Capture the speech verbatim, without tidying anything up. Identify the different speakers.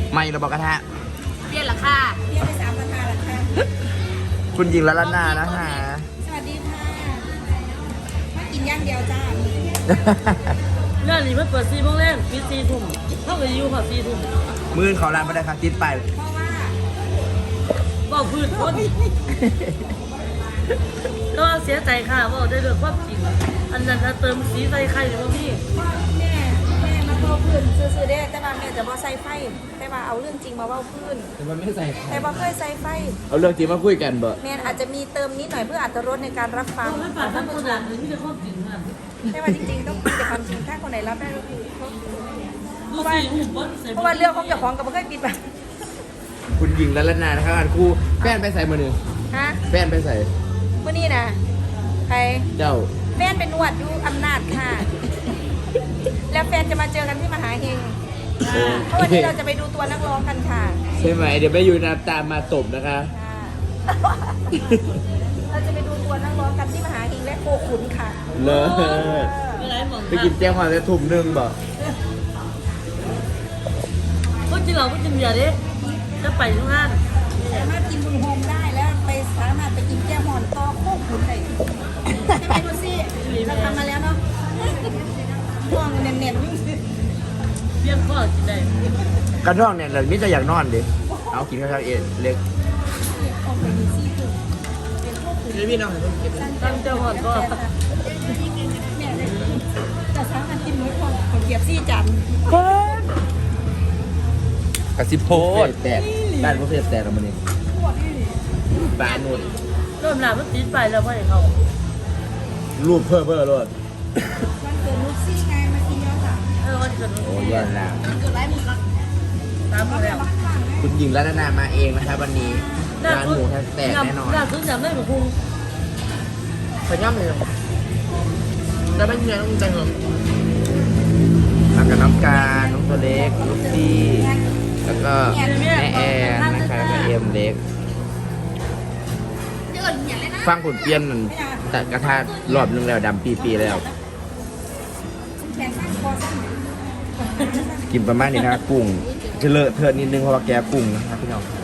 Speaker 1: ไม่ระบอกกระทะ
Speaker 2: เปลี่ยนราคา
Speaker 3: เรียกไปสามราคาราคา
Speaker 1: คุณยิงละละนานะคะ
Speaker 3: สวัสดีค่ะมากินย่างเดียวจ้า
Speaker 4: งานนี้มันเปิดสี่โมงแรกปิดสี่ทุ่มเท่ากับอยู่ค่ะสี่ทุ่ม
Speaker 1: มือเขาร้านไม่ได้ครับติดไป
Speaker 3: เพราะว่า
Speaker 4: บอกพื้นคนก็เสียใจค่ะว่าได้เรื่องความจริงอันนั้นถ้าเติมสีใส่ไข่หรือว่าพี่
Speaker 3: แม่แม่มาเว้าพื้นซื้อๆได้แต่ว่าแม่จะบ่ใส่ไฟแต่ว่าเอาเรื่องจริงมาเว้าพื้น
Speaker 1: แต่มันไม่ใส่
Speaker 3: แต่บ่เคยใส่ไฟ
Speaker 1: เอาเรื่องจริงมาคุยกันเบอะ
Speaker 3: แม่อาจจะมีเติมนิดหน่อยเพื่ออรรถรสในการรับฟัง
Speaker 4: เราไม่ปาดทั้งคนอ่านหรือที่จะความจริงค่ะ
Speaker 3: แต่ว่าจริงๆต้องคุยแต่ความจริงถ้าคนไหนรับได้ก็คือเขา
Speaker 4: ดูสิหุ่นบนใส่
Speaker 3: เพราะว่าเรื่องของเจ้าของกับบ่เคยปิดบัง
Speaker 1: คุณยิงละละนานะครับอันคู่แฟนไปใส่มือหนึ่ง
Speaker 3: ฮะ
Speaker 1: แฟนไปใส่
Speaker 3: มื้อนี้นะใคร
Speaker 1: เจ้า
Speaker 3: แฟนเป็นนวดอยู่อำนาจค่ะ แล้วแฟนจะมาเจอกันที่มหาเฮงเพราะวันนี้เราจะไปดูตัวนักร้องกันค่ะ
Speaker 1: ใช่ไหมเดี๋ยวไม่อยู่นะตามมาตบนะคะ
Speaker 3: ค่ะเราจะไปดูตัวนักร้องกันที่มหาเฮงและโคขุนค่ะ
Speaker 1: เลิศ
Speaker 4: ไม่ไรหมอง
Speaker 1: ไปกินแจ้งความจะถุ่มหนึ่งบ่
Speaker 4: ก็กินเหล้าก็กินเบียร์ดิจะไปทุกงาน
Speaker 3: สามารถกินบุญโฮมได้แล้วไปสามารถไปกินแก้วหมอนตอโคขุนได้ใช่ไหมดูสิเราทำมาแล้วเนาะห่วงเน็ต
Speaker 4: เบี้ยข้อกินได้
Speaker 1: กระท่องเนี่ยเราไม่จะอยากนอนดิเอากินข้าวเองเล็ก
Speaker 3: ๆออกไปดูซี่คือเป็นโคขุน
Speaker 1: พี่น้อง
Speaker 4: ตั้งเจ้าหอดก็
Speaker 3: เนี่ยเลยจะสามารถกินมื้อของของเกียบซี่จัน
Speaker 1: กระซิบโพดแตกบ้านพวกเพื่อนแตกแล้วมันนี่บ้านนู่น
Speaker 4: เริ่มหนามันติดไปแล้วไม่เขา
Speaker 1: รูปเพิ่มเพิ่มรถ
Speaker 3: วันเกิดลูกซี่ไงมากินย้อนหลัง
Speaker 4: เออวันเกิด
Speaker 1: โอ้ยอดแล้ว
Speaker 3: เกิดไรหมูกระ
Speaker 4: ตามมาแล้ว
Speaker 1: คุณยิงรัตนามาเองนะครับวันนี้ร้านหมูแตกแน่นอน
Speaker 4: หน้าซื้อจำได้หมูพุง
Speaker 1: ขย่ำเลยแล้วไม่เงี้ยต้องใจเหรอมากับน้องการน้องตัวเล็กลูกซี่แล้วก็แม่แอนนะคะแล้วก็เอ็มเล็ก
Speaker 3: เดินอย่างไรนะ
Speaker 1: ฟังผลเปลี่ยนนั่นแต่กระทะรอบนึงแล้วดำปีปีแล้ว
Speaker 3: แขนสั้นคอสั้น
Speaker 1: กินประมาณนี้นะกุ้งจะเลอะเทอะนิดนึงเพราะว่าแกกุ้งนะครับพี่น้อง